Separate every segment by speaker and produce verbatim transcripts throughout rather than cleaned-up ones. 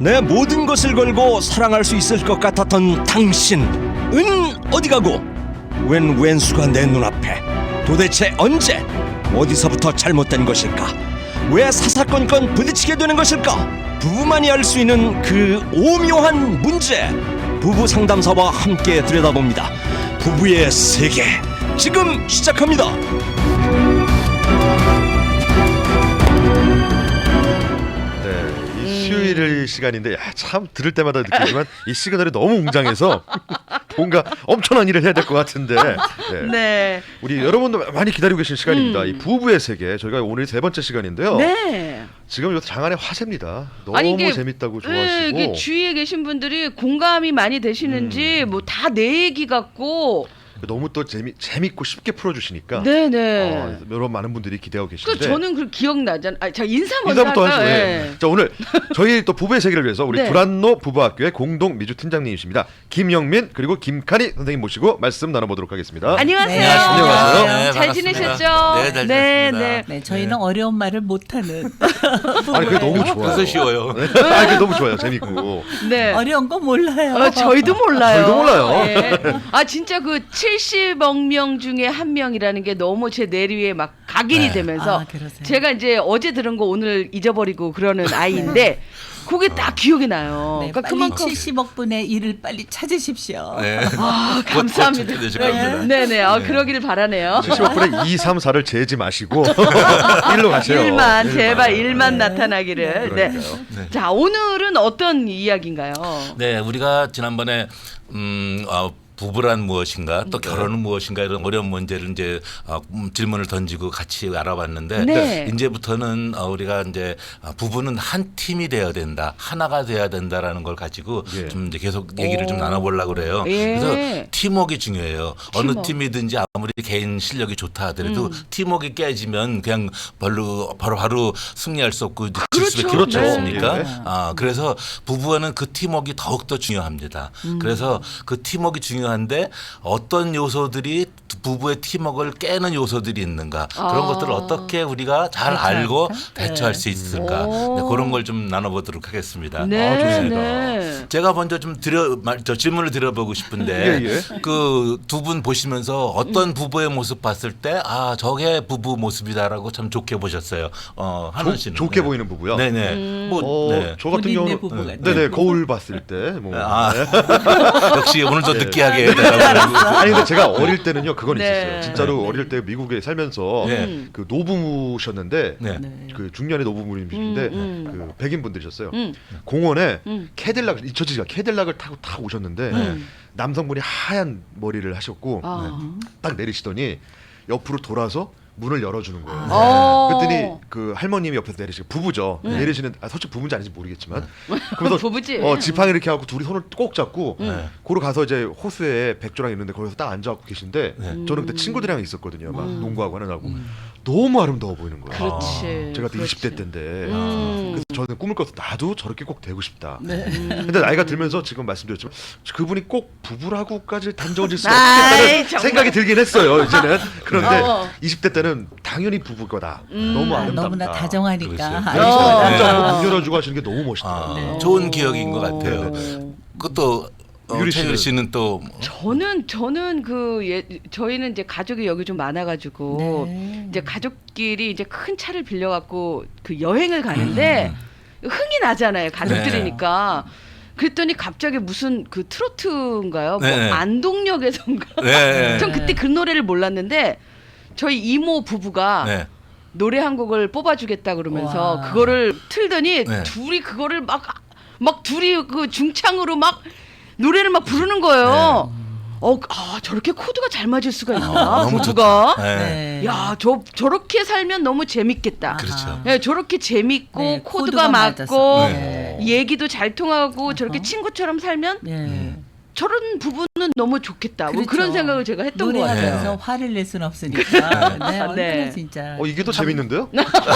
Speaker 1: 내 모든 것을 걸고 사랑할 수 있을 것 같았던 당신은 어디 가고 웬 왼수가 내 눈앞에. 도대체 언제 어디서부터 잘못된 것일까? 왜 사사건건 부딪히게 되는 것일까? 부부만이 알 수 있는 그 오묘한 문제, 부부 상담사와 함께 들여다봅니다. 부부의 세계 지금 시작합니다.
Speaker 2: 수요일 시간인데 야, 참 들을 때마다 느끼지만 이 시그널이 너무 웅장해서 뭔가 엄청난 일을 해야 될 것 같은데 네.
Speaker 3: 네.
Speaker 2: 우리 여러분도 많이 기다리고 계신 시간입니다.
Speaker 3: 음.
Speaker 2: 이 부부의 세계 저희가 오늘 세 번째 시간인데요.
Speaker 3: 네.
Speaker 2: 지금 이것도 장안의 화제입니다. 너무
Speaker 3: 아니, 이게,
Speaker 2: 재밌다고
Speaker 3: 네,
Speaker 2: 좋아하시고
Speaker 3: 이게 주위에 계신 분들이 공감이 많이 되시는지
Speaker 2: 음.
Speaker 3: 뭐 다 내 얘기 같고.
Speaker 2: 너무 또 재미 재밌고 쉽게 풀어주시니까
Speaker 3: 네네.
Speaker 2: 어, 여러 많은 분들이 기대하고
Speaker 3: 그
Speaker 2: 계신데
Speaker 3: 저는 그 기억나잖아. 아, 자 인사 먼저
Speaker 2: 인사부터
Speaker 3: 할까요?
Speaker 2: 하시고
Speaker 3: 예.
Speaker 2: 예. 자 오늘 저희 또 부부의 세계를 위해서 우리
Speaker 3: 네.
Speaker 2: 두란노 부부학교의 공동 미주 팀장님이십니다. 김영민 그리고 김칸희 선생님 모시고 말씀 나눠보도록 하겠습니다.
Speaker 3: 안녕하세요.
Speaker 4: 네,
Speaker 2: 안녕하세요.
Speaker 4: 네,
Speaker 3: 잘
Speaker 4: 반갑습니다.
Speaker 3: 지내셨죠?
Speaker 4: 네, 잘
Speaker 3: 네,
Speaker 4: 지냈습니다.
Speaker 3: 네.
Speaker 4: 네,
Speaker 5: 저희는
Speaker 4: 네.
Speaker 5: 어려운 말을 못하는
Speaker 2: 아니 그게 너무 좋아요.
Speaker 4: 그래서 쉬워요.
Speaker 2: 네. 아니 그게 너무 좋아요. 재밌고.
Speaker 3: 네.
Speaker 5: 어려운 거 몰라요.
Speaker 3: 어, 저희도 몰라요.
Speaker 2: 저희도 몰라요.
Speaker 3: 예. 아 진짜 그 칠십억 명 중에 한 명이라는 게 너무 제 내리에 막 각인이
Speaker 4: 네.
Speaker 3: 되면서
Speaker 5: 아, 그러세요?
Speaker 3: 제가 이제 어제 들은 거 오늘 잊어버리고 그러는 아이인데 그게 딱 기억이 나요.
Speaker 5: 네,
Speaker 3: 그러니까
Speaker 5: 빨리
Speaker 3: 그만큼
Speaker 5: 칠십억 분의 일을 빨리 찾으십시오.
Speaker 4: 네.
Speaker 3: 아 감사합니다.
Speaker 4: 되실 겁니다.
Speaker 3: 네네. 아, 그러기를 바라네요.
Speaker 2: 칠십억 분의 이, 삼, 사를 재지 마시고 일로 가세요.
Speaker 3: 일만 제발
Speaker 2: 일만.
Speaker 3: 일만
Speaker 5: 네.
Speaker 3: 나타나기를. 네.
Speaker 2: 그러니까요.
Speaker 4: 네.
Speaker 3: 자 오늘은 어떤 이야기인가요?
Speaker 4: 네, 우리가 지난번에 음, 어, 부부란 무엇인가 또 결혼은 무엇인가 이런 어려운 문제를 이제 어, 음, 질문을 던지고 같이 알아봤는데
Speaker 3: 네.
Speaker 4: 이제부터는 어, 우리가 이제 어, 부부는 한 팀이 되어야 된다, 하나가 돼야 된다라는 걸 가지고
Speaker 2: 예.
Speaker 4: 좀 이제 계속 얘기를
Speaker 3: 오.
Speaker 4: 좀 나눠보려고 그래요.
Speaker 3: 예.
Speaker 4: 그래서 팀워크가 중요해요. 어느
Speaker 3: 팀워크.
Speaker 4: 팀이든지 아무리 개인 실력이 좋다 하더라도
Speaker 3: 음.
Speaker 4: 팀워크가 깨지면 그냥 별로 바로 바로 승리할 수 없고 질
Speaker 3: 그렇죠.
Speaker 4: 수밖에 없지
Speaker 3: 네.
Speaker 4: 않습니까?
Speaker 2: 예.
Speaker 4: 아, 그래서 부부와는 그 팀워크가 더욱더 중요합니다.
Speaker 3: 음.
Speaker 4: 그래서 그 팀워크가 중요한데 어떤 요소들이 부부의 팀워크를 깨는 요소들이 있는가
Speaker 3: 아.
Speaker 4: 그런 것들을 어떻게 우리가 잘
Speaker 5: 대처할까?
Speaker 4: 알고
Speaker 5: 네.
Speaker 4: 대처할 수 있을까
Speaker 3: 오.
Speaker 4: 네, 그런 걸 좀 나눠보도록 하겠습니다.
Speaker 3: 네.
Speaker 2: 아, 좋습니다.
Speaker 3: 네.
Speaker 4: 제가 먼저 좀 드려 말- 저 질문을 드려보고 싶은데
Speaker 2: 예, 예.
Speaker 4: 그 두 분 보시면서 어떤 부부의 모습 봤을 때 아 저게 부부 모습이다라고 참 좋게 보셨어요. 어 한원
Speaker 2: 좋-
Speaker 4: 씨는
Speaker 2: 좋게
Speaker 4: 네.
Speaker 2: 보이는 부부요.
Speaker 4: 네네.
Speaker 3: 음.
Speaker 4: 뭐
Speaker 2: 어,
Speaker 4: 네.
Speaker 2: 저 같은
Speaker 5: 본인네
Speaker 2: 경우는
Speaker 5: 부부 같아요.
Speaker 2: 네네 거울 봤을 때 뭐.
Speaker 4: 아
Speaker 2: 네.
Speaker 4: 역시 오늘도
Speaker 2: 네.
Speaker 4: 느끼하게 해달라고.
Speaker 2: 아니 근데 제가 어릴 때는요 그건
Speaker 3: 네.
Speaker 2: 있었어요. 진짜로 어릴 때 미국에 살면서
Speaker 4: 네.
Speaker 2: 그 노부모셨는데
Speaker 4: 네.
Speaker 5: 네.
Speaker 2: 그 중년의 노부모님이신데
Speaker 3: 음, 음.
Speaker 2: 그 백인 분들이셨어요.
Speaker 3: 음.
Speaker 2: 공원에
Speaker 3: 음.
Speaker 2: 캐딜락 잊혀지지가 캐딜락을 타고 탁 오셨는데
Speaker 3: 음.
Speaker 2: 남성분이 하얀 머리를 하셨고
Speaker 3: 아.
Speaker 2: 딱 내리시더니 옆으로 돌아서 문을 열어주는 거예요.
Speaker 3: 어.
Speaker 2: 그랬더니 그 할머님이 옆에서 내리시고 부부죠. 내리시는 아, 솔직히 부부인지 아닌지 모르겠지만 그래서
Speaker 3: 부부지.
Speaker 2: 어, 지팡이 이렇게 하고 둘이 손을 꼭 잡고
Speaker 4: 네.
Speaker 2: 고로 가서 이제 호수에 백조랑 있는데 거기서 딱 앉아갖고 계신데
Speaker 4: 네.
Speaker 2: 저는 그때 친구들이랑 있었거든요. 막 농구하고 하느라고 너무 아름다워 보이는 거예요.
Speaker 3: 그렇지.
Speaker 2: 제가 그때
Speaker 3: 그렇지.
Speaker 2: 이십 대 때인데
Speaker 3: 음.
Speaker 2: 그래서 저는 꿈을 꿔서 나도 저렇게 꼭 되고 싶다.
Speaker 5: 네.
Speaker 2: 근데 나이가 들면서 지금 말씀드렸지만 그분이 꼭 부부라고까지 단정질 수
Speaker 3: 아이,
Speaker 2: 없다는
Speaker 3: 정말.
Speaker 2: 생각이 들긴 했어요. 이제는 그런데
Speaker 3: 어.
Speaker 2: 이십 대 때는 당연히 부부일 거다.
Speaker 3: 음.
Speaker 2: 너무
Speaker 5: 아,
Speaker 2: 아름답다.
Speaker 5: 너무나 다정하니까.
Speaker 4: 그렇죠.
Speaker 2: 네,
Speaker 5: 아유,
Speaker 3: 어.
Speaker 2: 진짜
Speaker 3: 어.
Speaker 2: 문 열어주고 하시는 게 너무 멋있더라고요.
Speaker 4: 아,
Speaker 5: 네.
Speaker 4: 좋은 기억인 것 같아요.
Speaker 2: 네.
Speaker 4: 그것도 어,
Speaker 2: 유리
Speaker 4: 최유리
Speaker 2: 씨는-
Speaker 4: 씨는 또
Speaker 3: 저는 저는 그 예, 저희는 이제 가족이 여기 좀 많아가지고
Speaker 5: 네.
Speaker 3: 이제 가족끼리 이제 큰 차를 빌려갖고 그 여행을 가는데 흥이 나잖아요 가족들이니까. 그랬더니 갑자기 무슨 그 트로트인가요? 뭐
Speaker 4: 네.
Speaker 3: 안동역에선가?
Speaker 4: 네.
Speaker 3: 전 그때 그 노래를 몰랐는데 저희 이모 부부가
Speaker 4: 네.
Speaker 3: 노래 한 곡을 뽑아주겠다 그러면서
Speaker 5: 와.
Speaker 3: 그거를 틀더니
Speaker 4: 네.
Speaker 3: 둘이 그거를 막 막 둘이 그 중창으로 막 노래를 막 부르는 거예요. 어, 아 저렇게 코드가 잘 맞을 수가 있나
Speaker 4: 아, 너무
Speaker 3: 부부가?
Speaker 4: 네.
Speaker 5: 네.
Speaker 3: 야, 저 저렇게 살면 너무 재밌겠다.
Speaker 4: 그렇죠.
Speaker 3: 네, 저렇게 재밌고
Speaker 5: 네,
Speaker 3: 코드가,
Speaker 5: 코드가
Speaker 3: 맞고
Speaker 5: 맞아서.
Speaker 4: 네.
Speaker 3: 얘기도 잘 통하고 저렇게
Speaker 5: 어허.
Speaker 3: 친구처럼 살면
Speaker 5: 네.
Speaker 4: 음.
Speaker 3: 저런 부부는 너무 좋겠다. 뭐
Speaker 5: 그렇죠.
Speaker 3: 그런 생각을 제가 했던 것 같아요.
Speaker 5: 노래하면서 화를 낼 수는 없으니까. 네, 얼마나
Speaker 3: 네.
Speaker 5: 진짜.
Speaker 2: 어 이게 더 재밌는데요?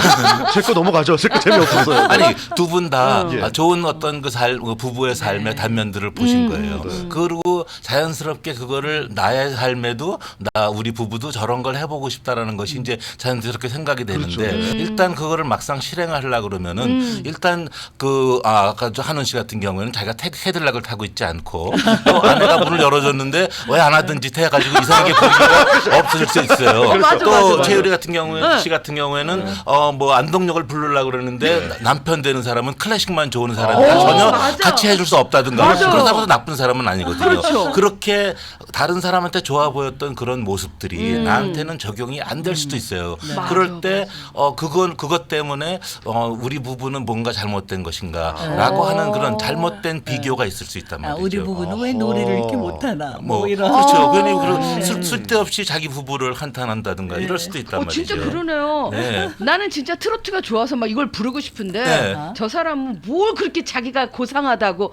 Speaker 2: 제 거 넘어가죠. 제 거 재미없어서요.
Speaker 4: 아니 두 분 다
Speaker 2: 예.
Speaker 4: 좋은 어떤 그 살, 그 부부의 삶의
Speaker 5: 네.
Speaker 4: 단면들을 보신
Speaker 3: 음,
Speaker 4: 거예요.
Speaker 2: 네.
Speaker 4: 그리고 자연스럽게 그거를 나의 삶에도 나 우리 부부도 저런 걸 해보고 싶다라는 것이 이제 자연스럽게 생각이 되는데
Speaker 2: 그렇죠. 음.
Speaker 4: 일단 그거를 막상 실행하려고 그러면은
Speaker 3: 음.
Speaker 4: 일단 그 아, 아까 저 한원 씨 같은 경우에는 자기가 테, 헤들락을 타고 있지 않고 또 아내가 문을 열어줬는데 왜 안 하던 짓 해가지고 이상하게 보기가 없어질 수 있어요.
Speaker 3: 맞아,
Speaker 4: 또
Speaker 3: 맞아, 맞아.
Speaker 4: 최유리 같은 경우에
Speaker 3: 네.
Speaker 4: 씨 같은 경우에는 어 뭐 안동역을 부르려고 그러는데
Speaker 2: 네.
Speaker 4: 남편 되는 사람은 클래식만 좋아하는 사람이
Speaker 3: 오,
Speaker 4: 전혀
Speaker 3: 맞아.
Speaker 4: 같이 해줄 수 없다든가
Speaker 3: 맞아.
Speaker 4: 그렇다고 해서 나쁜 사람은 아니거든요.
Speaker 3: 그렇죠.
Speaker 4: 그렇게 다른 사람한테 좋아 보였던 그런 모습들이
Speaker 3: 음.
Speaker 4: 나한테는 적용이 안 될 수도 있어요.
Speaker 3: 맞아,
Speaker 4: 그럴 때 어 그건 그것 때문에 어 우리 부부는 뭔가 잘못된 것인가라고
Speaker 3: 어.
Speaker 4: 하는 그런 잘못된 비교가 있을 수 있단
Speaker 5: 아,
Speaker 4: 말이죠.
Speaker 5: 우리 부부는 왜 노래를 이렇게 못하나. 뭐,
Speaker 4: 뭐
Speaker 5: 이런.
Speaker 4: 그렇죠. 괜히 그런
Speaker 5: 네.
Speaker 4: 쓸- 쓸데없이 자기 부부를 한탄한다든가 이럴 수도 있단
Speaker 3: 어,
Speaker 4: 말이죠.
Speaker 3: 진짜 그러네요.
Speaker 4: 네.
Speaker 3: 나는 진짜 트로트가 좋아서 막 이걸 부르고 싶은데
Speaker 4: 네.
Speaker 3: 저 사람은 뭘 그렇게 자기가 고상하다고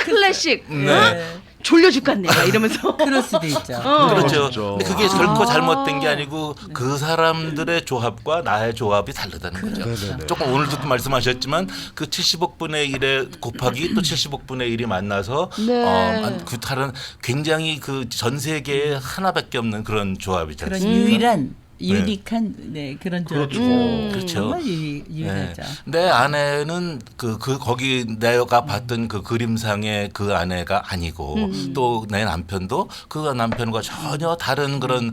Speaker 3: 클래식
Speaker 4: 네.
Speaker 3: 어? 졸려 죽겠네 막 이러면서
Speaker 5: 그럴 수도 있죠.
Speaker 3: 어.
Speaker 4: 그렇죠.
Speaker 2: 진짜.
Speaker 4: 근데 그게 결코 잘못된 게 아니고 그 사람들의 조합과 나의 조합이 다르다는 거죠.
Speaker 2: 네네네.
Speaker 4: 조금 오늘도 말씀하셨지만 그 칠십억 분의 일에 곱하기 또 칠십억 분의 일이 만나서
Speaker 3: 네.
Speaker 4: 어, 그 다른 굉장히 그 전 세계에 하나밖에 없는 그런 조합이지
Speaker 5: 그런
Speaker 4: 않습니까?
Speaker 5: 유일한 유니크한 네, 그런
Speaker 2: 그렇죠.
Speaker 5: 조합이죠.
Speaker 3: 음.
Speaker 4: 그렇죠.
Speaker 5: 정말 유,
Speaker 4: 네.
Speaker 5: 유일하죠.
Speaker 4: 내 아내는 그, 그 거기 내가 봤던 그 그림상의 그 아내가 아니고
Speaker 3: 음.
Speaker 4: 또 내 남편도 그 남편과 전혀 다른 그런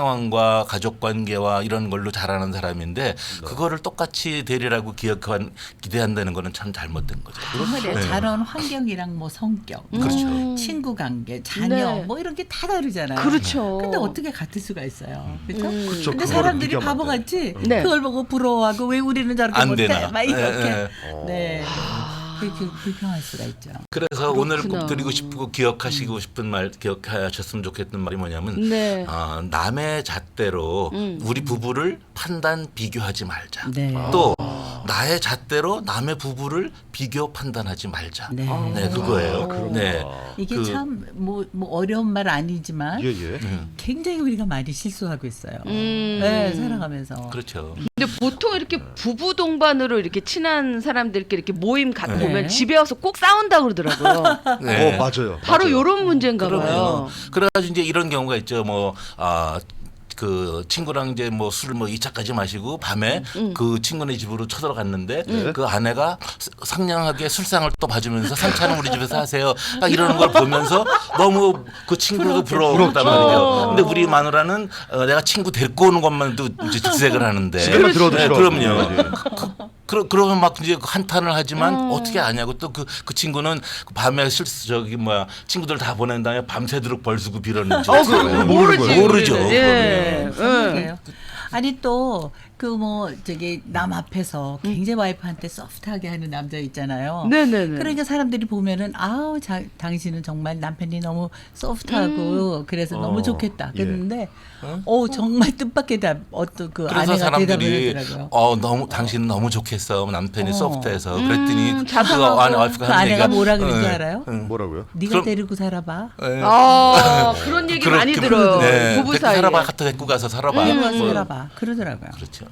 Speaker 4: 상황과 가족 관계와 이런 걸로 자라는 사람인데 그거를 똑같이 되리라고 기억한 기대한다는 거는 참 잘못된 거죠.
Speaker 5: 정말요.
Speaker 4: 네.
Speaker 5: 자란 환경이랑 뭐 성격, 뭐
Speaker 4: 그렇죠.
Speaker 5: 친구 관계, 자녀
Speaker 3: 네.
Speaker 5: 뭐 이런 게 다 다르잖아요.
Speaker 3: 그렇죠.
Speaker 5: 근데 어떻게 같을 수가 있어요. 그렇죠?
Speaker 3: 음.
Speaker 2: 그렇죠.
Speaker 5: 근데
Speaker 2: 그거를
Speaker 5: 사람들이
Speaker 2: 비교하면 안
Speaker 5: 바보같이
Speaker 3: 네.
Speaker 5: 그걸 보고 부러워하고 왜 우리는 저렇게
Speaker 4: 안
Speaker 5: 못해?
Speaker 4: 되나.
Speaker 5: 막 이렇게.
Speaker 4: 네,
Speaker 2: 네.
Speaker 5: 네. 그렇게 불평할 수가 있죠.
Speaker 4: 그래서 오늘
Speaker 3: 그렇구나.
Speaker 4: 꼭 드리고 싶고 기억하시고 싶은 말 기억하셨으면 좋겠는 말이 뭐냐면
Speaker 3: 네.
Speaker 4: 어, 남의 잣대로
Speaker 3: 음.
Speaker 4: 우리 부부를 판단 비교하지 말자.
Speaker 5: 네.
Speaker 4: 또 나의 잣대로 남의 부부를 비교 판단하지 말자.
Speaker 5: 네.
Speaker 4: 네, 그거예요. 네.
Speaker 5: 이게
Speaker 4: 그-
Speaker 5: 참 뭐 뭐 어려운 말 아니지만
Speaker 2: 예 예.
Speaker 5: 굉장히 우리가 많이 실수하고 있어요.
Speaker 3: 음.
Speaker 5: 네, 살아가면서.
Speaker 4: 그렇죠.
Speaker 3: 근데 보통 이렇게 부부 동반으로 이렇게 친한 사람들끼리 이렇게 모임 갖고
Speaker 5: 네.
Speaker 3: 오면 집에 와서 꼭 싸운다 그러더라고요.
Speaker 4: 네.
Speaker 2: 어 맞아요.
Speaker 3: 바로
Speaker 2: 맞아요.
Speaker 3: 요런 문제인가
Speaker 4: 그러면
Speaker 3: 봐요.
Speaker 4: 그래가지고 이제 이런 경우가 있죠. 뭐 아. 그 친구랑 이제 뭐 술을 뭐 이 차까지 마시고 밤에
Speaker 3: 음.
Speaker 4: 그 친구네 집으로 쳐들어갔는데
Speaker 2: 네.
Speaker 4: 그 아내가 상냥하게 술상을 또 봐주면서 상차는 우리 집에서 하세요. 딱 이러는 걸 보면서 너무 그 친구도 부러웠단 말이죠. 근데 우리 마누라는 어, 내가 친구 데리고 오는 것만도 이제 직색을 하는데.
Speaker 2: 집에만 들어도
Speaker 4: 네,
Speaker 2: 싫어.
Speaker 4: 그럼요.
Speaker 2: 예.
Speaker 4: 그, 그러면 막 이제 한탄을 하지만
Speaker 3: 음.
Speaker 4: 어떻게 아냐고 또 그 그 친구는 밤에 실수 저기 뭐야 친구들 다 보낸 다음에 밤새도록 벌수고 빌었는지
Speaker 3: 어, 그 모르지.
Speaker 4: 모르죠.
Speaker 3: 예.
Speaker 5: 그러게요. 아니 또 그 뭐 저기 남 앞에서 굉장히 와이프한테 소프트하게 하는 남자 있잖아요.
Speaker 3: 네네네.
Speaker 5: 그러니까 사람들이 보면은 아우 자, 당신은 정말 남편이 너무 소프트하고 그래서
Speaker 2: 어,
Speaker 5: 너무 좋겠다.
Speaker 2: 예.
Speaker 5: 그랬는데 어 정말 뜻밖의 답 어떤 그
Speaker 4: 그래서
Speaker 5: 아내가 대답을
Speaker 4: 사람들이
Speaker 5: 하더라고요.
Speaker 4: 어 너무 당신은 너무 좋겠어 남편이
Speaker 5: 어.
Speaker 4: 소프트해서 그랬더니
Speaker 3: 음,
Speaker 4: 그
Speaker 3: 자상하고.
Speaker 4: 아내 와이프가
Speaker 5: 그
Speaker 4: 하는
Speaker 5: 아내가
Speaker 4: 얘기가
Speaker 5: 뭐라 그런지
Speaker 4: 응,
Speaker 5: 알아요?
Speaker 4: 응.
Speaker 2: 뭐라고요?
Speaker 5: 네가
Speaker 4: 그럼-
Speaker 5: 데리고 살아봐.
Speaker 4: 예.
Speaker 3: 아 그런 얘기
Speaker 4: 그렇게
Speaker 3: 많이 들어요.
Speaker 4: 네.
Speaker 3: 부부
Speaker 4: 데리고
Speaker 3: 사이에.
Speaker 4: 살아봐 갖다 데리고 가서 살아봐.
Speaker 5: 데리고
Speaker 3: 음.
Speaker 5: 가서 살아봐. 그러더라고요.
Speaker 4: 그렇죠.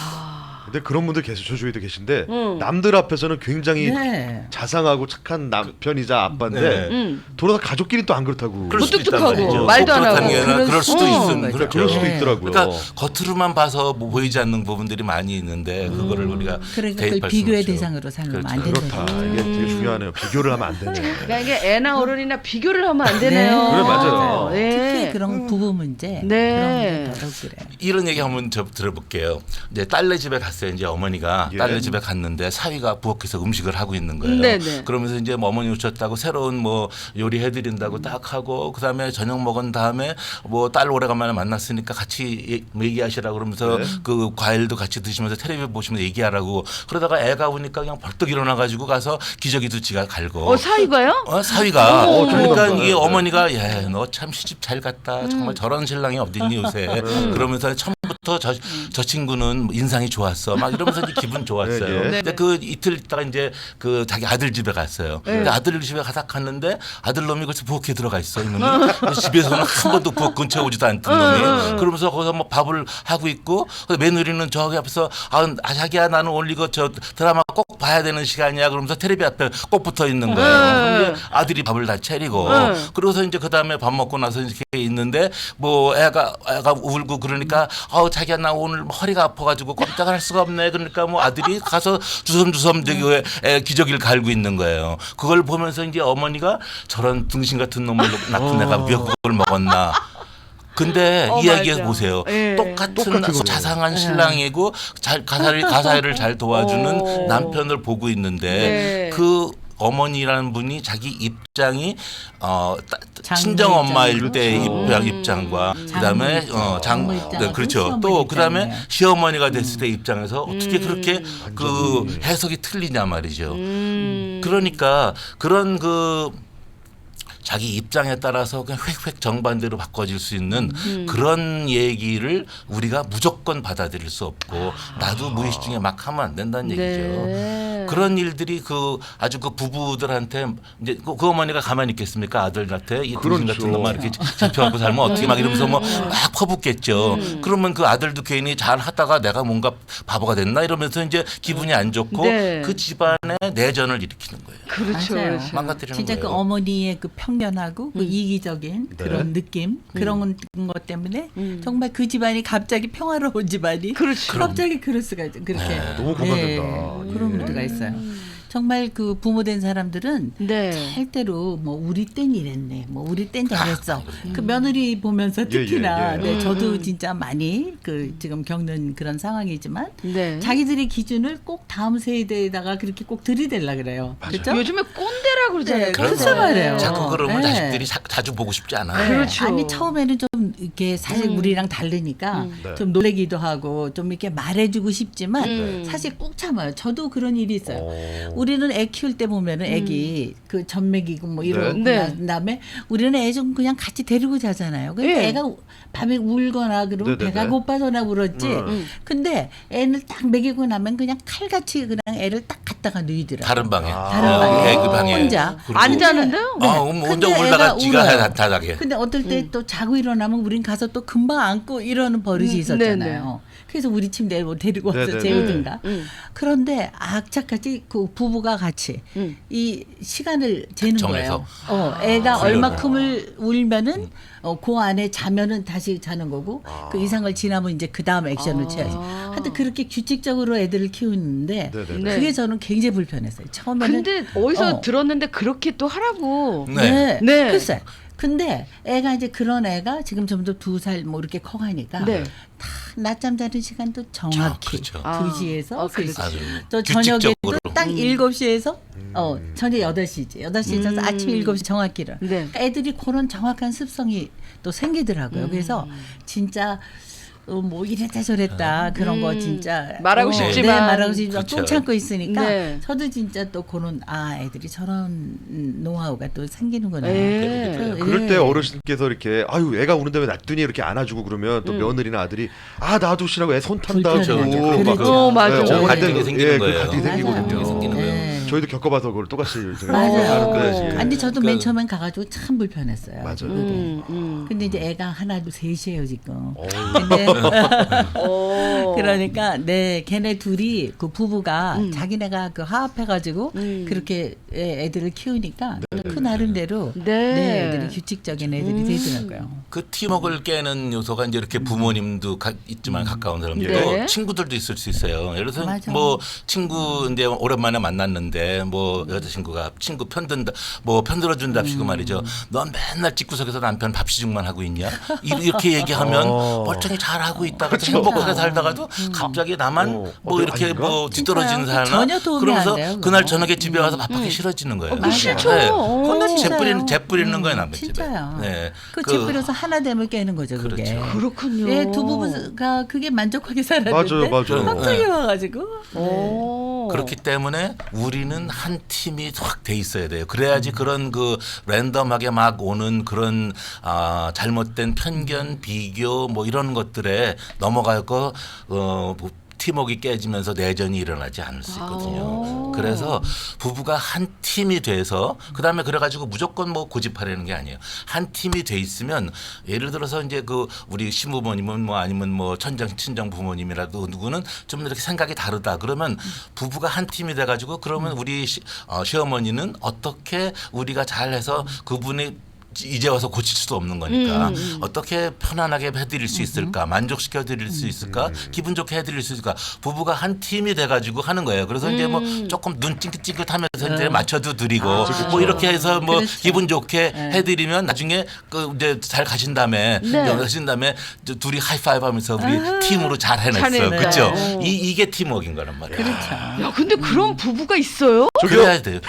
Speaker 2: 근데 그런 분들 계세요. 저주에도 계신데
Speaker 3: 음.
Speaker 2: 남들 앞에서는 굉장히
Speaker 5: 네.
Speaker 2: 자상하고 착한 남편이자 아빠인데
Speaker 4: 네.
Speaker 3: 음.
Speaker 2: 돌아다 가족끼리 또 안 그렇다고.
Speaker 4: 그럴 수도 있단
Speaker 3: 무뚝뚝하고
Speaker 4: 말이죠.
Speaker 3: 말도 안 하고.
Speaker 4: 그렇다는 게 아니라
Speaker 5: 그럴
Speaker 4: 그럴 수도
Speaker 5: 수
Speaker 4: 있음.
Speaker 5: 있는
Speaker 2: 그래,
Speaker 4: 그렇죠.
Speaker 2: 그럴 수도
Speaker 5: 네.
Speaker 2: 있더라고요.
Speaker 4: 그러니까 겉으로만 봐서 뭐 보이지 않는 부분들이 많이 있는데 그거를 우리가
Speaker 5: 그러니까
Speaker 4: 대입할
Speaker 5: 그걸
Speaker 4: 수는
Speaker 5: 비교의
Speaker 4: 없죠.
Speaker 5: 대상으로 삼으면 안
Speaker 4: 그렇죠.
Speaker 5: 된다.
Speaker 2: 그렇다. 이게 되게 중요하네요. 비교를 하면 안 되네.
Speaker 3: 그러니까 이게 애나 어른이나 비교를 하면 안 되네요.
Speaker 2: 그래, 맞아요.
Speaker 3: 예.
Speaker 5: 특히 그런 부부 문제
Speaker 3: 네.
Speaker 5: 그런 게 더더욱 그래.
Speaker 4: 이런 얘기 한번 저 들어볼게요. 이제 딸네 집에 갔어요. 이제 어머니가
Speaker 2: 예.
Speaker 4: 딸네 집에 갔는데 사위가 부엌에서 음식을 하고 있는 거예요.
Speaker 3: 네네.
Speaker 4: 그러면서 이제 뭐 어머니 오셨다고 새로운 뭐 요리 해드린다고 딱 하고 그다음에 저녁 먹은 다음에 뭐 딸 오래간만에 만났으니까 같이 얘- 뭐 얘기하시라고 그러면서
Speaker 2: 네.
Speaker 4: 그 과일도 같이 드시면서 텔레비 보시면서 얘기하라고 그러다가 애가 오니까 그냥 벌떡 일어나가지고 가서 기저귀도 지가 갈고.
Speaker 3: 어 사이가요?
Speaker 4: 어, 사위가
Speaker 2: 어,
Speaker 4: 그러니까
Speaker 2: 좋은
Speaker 4: 이게
Speaker 2: 남자네.
Speaker 4: 어머니가 예, 너 참 시집 잘 갔다. 정말 저런 신랑이 어딨니 요새. 그러면서 처음부터 그때부터 저, 저 친구는 인상이 좋았어. 막 이러면서 이제 기분 좋았어요.
Speaker 2: 네, 네.
Speaker 4: 근데 그 이틀 있다가 이제 그 자기 아들 집에 갔어요.
Speaker 3: 네.
Speaker 4: 근데 아들 집에 가서 갔는데 아들 놈이 그래서 부엌에 들어가 있어. 이놈이 집에서는 한 번도 부엌 근처에 오지도 않던 놈이. 그러면서 거기서 뭐 밥을 하고 있고 며느리는 저기 앞에서 아, 아 자기야 나는 오늘 이거 저 드라마 꼭 봐야 되는 시간이야. 그러면서 텔레비 앞에 꼭 붙어 있는 거예요. 근데 아들이 밥을 다 차리고 그러고서 이제 그 다음에 밥 먹고 나서 이렇게 있는데 뭐 애가 애가 울고 그러니까 어 자기야 나 오늘 허리가 아파가지고 꼼짝을 할 수가 없네. 그러니까 뭐 아들이 가서 주섬주섬 저기 애 기저귀를 갈고 있는 거예요. 그걸 보면서 이제 어머니가 저런 등신 같은 놈을 낳은 애가 미역국을 먹었나. 근데
Speaker 3: 어,
Speaker 4: 이야기해
Speaker 3: 맞아.
Speaker 4: 보세요.
Speaker 3: 예.
Speaker 4: 똑같은,
Speaker 2: 똑같은 거네요.
Speaker 4: 자상한 신랑이고 잘 가사를 가사를 잘 도와주는
Speaker 3: 어.
Speaker 4: 남편을 보고 있는데
Speaker 3: 네.
Speaker 4: 그 어머니라는 분이 자기 입장이 어 따-
Speaker 5: 장모
Speaker 4: 친정 엄마일
Speaker 5: 입장.
Speaker 4: 때
Speaker 5: 그렇죠.
Speaker 4: 입장 입장과 그다음에
Speaker 5: 장모
Speaker 4: 어, 장
Speaker 5: 장모 입장하고
Speaker 4: 네, 그렇죠.
Speaker 5: 시어머니
Speaker 4: 또 그다음에
Speaker 5: 입장이에요.
Speaker 4: 시어머니가 됐을 때 입장에서 어떻게
Speaker 3: 음.
Speaker 4: 그렇게 그 해석이 틀리냐 말이죠.
Speaker 3: 음.
Speaker 4: 그러니까 그런 그 자기 입장에 따라서 그냥 획획 정반대로 바꿔질 수 있는
Speaker 3: 음.
Speaker 4: 그런 얘기를 우리가 무조건 받아들일 수 없고 나도 무의식 중에 막 하면 안 된다는 얘기죠.
Speaker 3: 네.
Speaker 4: 그런 일들이 그 아주 그 부부들한테 이제 그, 그 어머니가 가만히 있겠습니까? 아들한테 이 등신
Speaker 2: 그렇죠.
Speaker 4: 같은 놈만 이렇게 잡혀갖고 살면 어떻게 막 이러면서 뭐 막 퍼붓겠죠.
Speaker 3: 음.
Speaker 4: 그러면 그 아들도 괜히 잘 하다가 내가 뭔가 바보가 됐나 이러면서 이제 기분이 안 좋고
Speaker 3: 네.
Speaker 4: 그 집안에 내전을 일으키는 거예요.
Speaker 3: 그렇죠.
Speaker 5: 맞아요.
Speaker 3: 그렇죠.
Speaker 4: 망가뜨리는
Speaker 5: 진짜 그
Speaker 4: 거예요.
Speaker 5: 어머니의 그 편견하고 그 이기적인
Speaker 2: 네.
Speaker 5: 그런 느낌 그런 것 때문에
Speaker 3: 음.
Speaker 5: 정말 그 집안이 갑자기 평화로운 집안이
Speaker 3: 그렇죠.
Speaker 5: 갑자기 그럴 수가 있- 그렇게
Speaker 4: 네.
Speaker 2: 너무 공감된다.
Speaker 5: 네, 그런 문제가 있어요. 정말 그 부모된 사람들은
Speaker 3: 네.
Speaker 5: 절대로 뭐 우리 땐 이랬네, 뭐 우리 땐 저랬어. 그 며느리 보면서
Speaker 2: 예, 예,
Speaker 5: 특히나
Speaker 2: 예.
Speaker 5: 네,
Speaker 3: 음,
Speaker 5: 저도
Speaker 3: 음.
Speaker 5: 진짜 많이 그 지금 겪는 그런 상황이지만
Speaker 3: 네.
Speaker 5: 자기들의 기준을 꼭 다음 세대에다가 그렇게 꼭 들이댈라 그래요. 그렇죠?
Speaker 3: 요즘에 꼰대라 그러잖아요.
Speaker 5: 네,
Speaker 3: 꼰대.
Speaker 5: 그렇죠 말이에요.
Speaker 4: 자꾸 그러면
Speaker 5: 네.
Speaker 4: 자식들이 자, 자주 보고 싶지 않아요.
Speaker 5: 네.
Speaker 3: 그렇죠.
Speaker 5: 아니 처음에는 좀 이렇게 사실
Speaker 3: 음.
Speaker 5: 우리랑 다르니까
Speaker 3: 음.
Speaker 2: 네.
Speaker 5: 좀 놀래기도 하고 좀 이렇게 말해주고 싶지만
Speaker 3: 음.
Speaker 5: 사실 꾹 참아요. 저도 그런 일이 있어요.
Speaker 2: 어.
Speaker 5: 우리는 애 키울 때 보면은 애기 그 전맥이고 뭐 이러고
Speaker 3: 네.
Speaker 5: 난 다음에 우리는 애 좀 그냥 같이 데리고 자잖아요. 근데
Speaker 3: 네.
Speaker 5: 애가 밤에 울거나 그러면
Speaker 2: 네네네.
Speaker 5: 배가 고파서나 울었지.
Speaker 2: 음.
Speaker 5: 근데 애를 딱 먹이고 나면 그냥 칼같이 그냥 애를 딱 갖다가 누이더라고요.
Speaker 4: 다른 방에.
Speaker 5: 다른
Speaker 4: 어,
Speaker 5: 방에.
Speaker 4: 애그 방에.
Speaker 5: 혼자.
Speaker 4: 그리고
Speaker 3: 안 자는데요?
Speaker 5: 네.
Speaker 4: 아, 음, 혼자
Speaker 5: 근데
Speaker 4: 울다가
Speaker 5: 애가
Speaker 4: 지가
Speaker 5: 울어요.
Speaker 4: 다- 다닥에.
Speaker 5: 근데 어떨 때 또 자고 일어나면 우린 가서 또 금방 안고 이러는 버릇이
Speaker 3: 음,
Speaker 5: 있었잖아요. 그래서 우리 침대에 뭐 데리고 와서
Speaker 2: 네네네.
Speaker 5: 재우든가.
Speaker 3: 음.
Speaker 5: 그런데 악착같이 그 부부가 같이
Speaker 3: 음.
Speaker 5: 이 시간을 재는
Speaker 4: 정해서.
Speaker 5: 거예요. 어, 애가
Speaker 4: 아,
Speaker 5: 얼마큼을 울면은 어, 그 안에 자면은 다시 자는 거고 그 이상을 지나면 이제 그 다음 액션을
Speaker 3: 아.
Speaker 5: 취하지. 하여튼 그렇게 규칙적으로 애들을 키우는데
Speaker 2: 네네네.
Speaker 3: 네.
Speaker 5: 그게 저는 굉장히 불편했어요. 처음에는
Speaker 3: 근데 어디서
Speaker 5: 어.
Speaker 3: 들었는데 그렇게 또 하라고.
Speaker 4: 네.
Speaker 5: 네.
Speaker 3: 네.
Speaker 5: 글쎄. 근데 애가 이제 그런 애가 지금 점점 두 살 뭐 이렇게 커가니까
Speaker 3: 네.
Speaker 5: 다 낮잠 자는 시간도 정확히
Speaker 4: 그렇죠.
Speaker 3: 아.
Speaker 5: 두 시에서
Speaker 3: 어, 그렇죠.
Speaker 4: 아주
Speaker 5: 또 저녁에도
Speaker 4: 규칙적으로.
Speaker 5: 딱
Speaker 3: 음.
Speaker 5: 일곱 시에서 어 저녁 여덟 시지. 여덟 시에서
Speaker 3: 음.
Speaker 5: 아침 일곱 시 정확히를.
Speaker 3: 네.
Speaker 5: 그러니까 애들이 그런 정확한 습성이 또 생기더라고요. 그래서 진짜 어, 뭐 이랬다 저랬다 그런 거
Speaker 3: 음.
Speaker 5: 진짜
Speaker 3: 말하고
Speaker 5: 어,
Speaker 3: 싶지만.
Speaker 5: 네, 말하고 싶지만
Speaker 4: 그렇죠.
Speaker 5: 꾹 참고 있으니까
Speaker 3: 네.
Speaker 5: 저도 진짜 또 그런 아 애들이 저런 음, 노하우가 또 생기는구나.
Speaker 3: 네.
Speaker 5: 그래서,
Speaker 2: 그럴
Speaker 5: 예.
Speaker 2: 때 어르신께서 이렇게 아유 애가 우는데 왜 놔두니 이렇게 안아주고 그러면 또 며느리나 아들이 아 놔두시라고 애 손 탄다고
Speaker 5: 불편해요.
Speaker 2: 막
Speaker 5: 그렇죠.
Speaker 3: 어, 맞아.
Speaker 2: 네,
Speaker 4: 갈등이
Speaker 2: 그-
Speaker 4: 생기는
Speaker 2: 예, 그
Speaker 4: 거예요.
Speaker 2: 갈등이
Speaker 5: 맞아요.
Speaker 2: 생기거든요.
Speaker 4: 생기는 거예요.
Speaker 5: 네.
Speaker 2: 저희도 겪어봐서 그걸 똑같이 저희가
Speaker 5: 맞아요.
Speaker 2: 하는데, 예.
Speaker 5: 아니 저도
Speaker 4: 그-
Speaker 5: 맨 처음엔 가가지고 참 불편했어요.
Speaker 2: 맞아요.
Speaker 5: 그게.
Speaker 3: 음, 음.
Speaker 5: 근데 이제 애가 하나 둘 셋이에요 지금.
Speaker 2: 어우.
Speaker 5: 근데
Speaker 3: 어.
Speaker 5: 그러니까 네 걔네 둘이 그 부부가
Speaker 3: 음.
Speaker 5: 자기네가 그 화합해가지고
Speaker 3: 음.
Speaker 5: 그렇게 애- 애들을 키우니까 그 나름대로
Speaker 3: 네.
Speaker 5: 네. 애들이 규칙적인 애들이
Speaker 3: 음.
Speaker 5: 되더라고요.
Speaker 4: 그 팀워크를 깨는 요소가 이제 이렇게 부모님도 가, 있지만 가까운 사람들도
Speaker 3: 네.
Speaker 4: 친구들도 있을 수 있어요. 예를 들어서
Speaker 5: 맞아.
Speaker 4: 뭐 친구 이제 오랜만에 만났는데 뭐 여자친구가 친구 편든다 뭐 편들어준답시고 말이죠. 넌 맨날 집구석에서 남편 밥시중만 하고 있냐? 이- 이렇게 얘기하면
Speaker 2: 어.
Speaker 4: 멀쩡히 잘 하고 있다가
Speaker 2: 그렇죠.
Speaker 4: 행복하게 살다가도 갑자기 나만
Speaker 2: 어,
Speaker 4: 뭐
Speaker 2: 어때-
Speaker 4: 이렇게
Speaker 2: 아닌가?
Speaker 4: 뭐 뒤떨어지는
Speaker 5: 진짜요?
Speaker 4: 사나
Speaker 5: 전혀 도움이
Speaker 4: 그러면서
Speaker 5: 안 돼요, 그거.
Speaker 4: 그날 저녁에 집에 와서 밥하기 싫어지는 거예요.
Speaker 3: 그 싫죠.
Speaker 4: 네.
Speaker 3: 어.
Speaker 4: 그건
Speaker 5: 진짜요.
Speaker 4: 재뿌리는 재뿌리는 거예요 남의 집에.
Speaker 5: 진짜요.
Speaker 4: 네.
Speaker 5: 그 집부려서 하나 되면 깨는 거죠 그게.
Speaker 4: 그렇죠.
Speaker 3: 그렇군요.
Speaker 5: 예, 두 부부가 그게 만족하게 살았는데
Speaker 2: 맞아요, 맞아요.
Speaker 5: 갑자기 와가지고
Speaker 3: 어.
Speaker 4: 그렇기 때문에 우리는 한 팀이 확 돼 있어야 돼요. 그래야지 그런 그 랜덤하게 막 오는 그런 아, 잘못된 편견, 비교 뭐 이런 것들에 넘어가고 어, 팀워크가 깨지면서 내전이 일어나지 않을 수 있거든요.
Speaker 3: 아.
Speaker 4: 그래서 부부가 한 팀이 돼서 그다음에 그래가지고 무조건 뭐 고집하려는 게 아니에요. 한 팀이 돼 있으면 예를 들어서 이제 그 우리 신부모님은 뭐 아니면 뭐 천장 친정 부모님이라도 누구는 좀 이렇게 생각이 다르다. 그러면 부부가 한 팀이 돼가지고 그러면 우리 시, 어, 시어머니는 어떻게 우리가 잘해서 그분이 이제 와서 고칠 수도 없는 거니까
Speaker 3: 음, 음.
Speaker 4: 어떻게 편안하게 해드릴 수 있을까, 만족시켜 드릴 수 있을까, 기분 좋게 해드릴 수 있을까. 부부가 한 팀이 돼가지고 하는 거예요. 그래서 이제 뭐 조금 눈 찡긋찡긋하면서 이제 맞춰도 드리고 뭐 이렇게 해서 뭐
Speaker 5: 그렇죠.
Speaker 4: 기분 좋게 해드리면 나중에 그 이제 잘 가신 다음에
Speaker 3: 네.
Speaker 4: 가신 다음에 이제 둘이 하이파이브하면서 우리 팀으로 잘 해냈어,
Speaker 3: 잘했네.
Speaker 4: 그렇죠?
Speaker 3: 어.
Speaker 4: 이 이게 팀워크인 거란 말이야.
Speaker 5: 그렇죠.
Speaker 3: 야, 근데 그런 부부가 있어요?
Speaker 4: 그래야 돼요.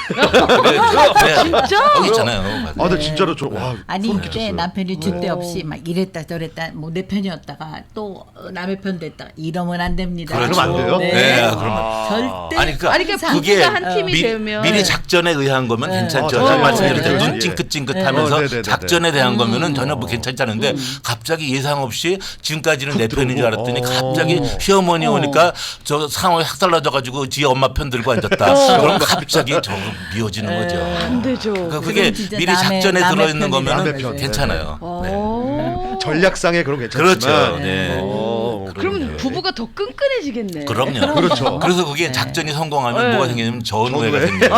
Speaker 4: 그래야 돼요.
Speaker 3: 진짜?
Speaker 4: 여기 있잖아요.
Speaker 2: 아, 근데 진짜로 저 와.
Speaker 5: 아니
Speaker 2: 소름
Speaker 5: 그때
Speaker 2: 끼쳤어요.
Speaker 5: 남편이 줏대
Speaker 3: 어.
Speaker 5: 없이 막 이랬다 저랬다 뭐 내 편이었다가 또 남의 편 됐다가 이러면 안 됩니다.
Speaker 4: 그렇죠.
Speaker 2: 그러면 안 돼요?
Speaker 5: 네.
Speaker 4: 네, 그러면
Speaker 5: 절대
Speaker 4: 아니 그러니까
Speaker 3: 아니, 그러니까
Speaker 4: 그게
Speaker 3: 부부가 한 팀이
Speaker 4: 미,
Speaker 3: 되면
Speaker 4: 미리 작전에 의한 거면
Speaker 5: 네.
Speaker 4: 괜찮죠.
Speaker 2: 어,
Speaker 4: 제가
Speaker 2: 네,
Speaker 4: 말씀드릴
Speaker 2: 네,
Speaker 4: 때
Speaker 2: 네,
Speaker 4: 눈
Speaker 2: 네.
Speaker 4: 찡긋찡긋하면서
Speaker 2: 어, 네, 네, 네,
Speaker 4: 작전에 대한 거면은 전혀 뭐 괜찮다는데 갑자기 예상 없이 지금까지는 내 편인 줄 알았더니
Speaker 2: 들어오고.
Speaker 4: 갑자기
Speaker 2: 어.
Speaker 4: 시어머니
Speaker 5: 어.
Speaker 4: 오니까 저 상황이 확 달라져가지고 지 엄마 편 들고 앉았다. 그럼 갑자기 저 미워지는 거죠.
Speaker 3: 안 되죠.
Speaker 4: 그러니까 그게
Speaker 5: 그건 진짜
Speaker 4: 미리
Speaker 5: 남의-
Speaker 4: 작전에
Speaker 5: 남의
Speaker 4: 들어있는
Speaker 5: 편이다.
Speaker 4: 거면은
Speaker 2: 남의 편.
Speaker 4: 괜찮아요. 네.
Speaker 3: 어.
Speaker 2: 전략상에 그런 괜찮지만
Speaker 4: 그렇죠. 네.
Speaker 2: 어,
Speaker 3: 그러면
Speaker 2: 그러네.
Speaker 3: 부부가 더 끈끈해지겠네.
Speaker 4: 그럼요.
Speaker 2: 그렇죠.
Speaker 4: 그래서 그게 작전이 성공하면
Speaker 3: 네.
Speaker 4: 뭐가 생기냐면 전우회가
Speaker 2: 전우회.
Speaker 4: 생겨요.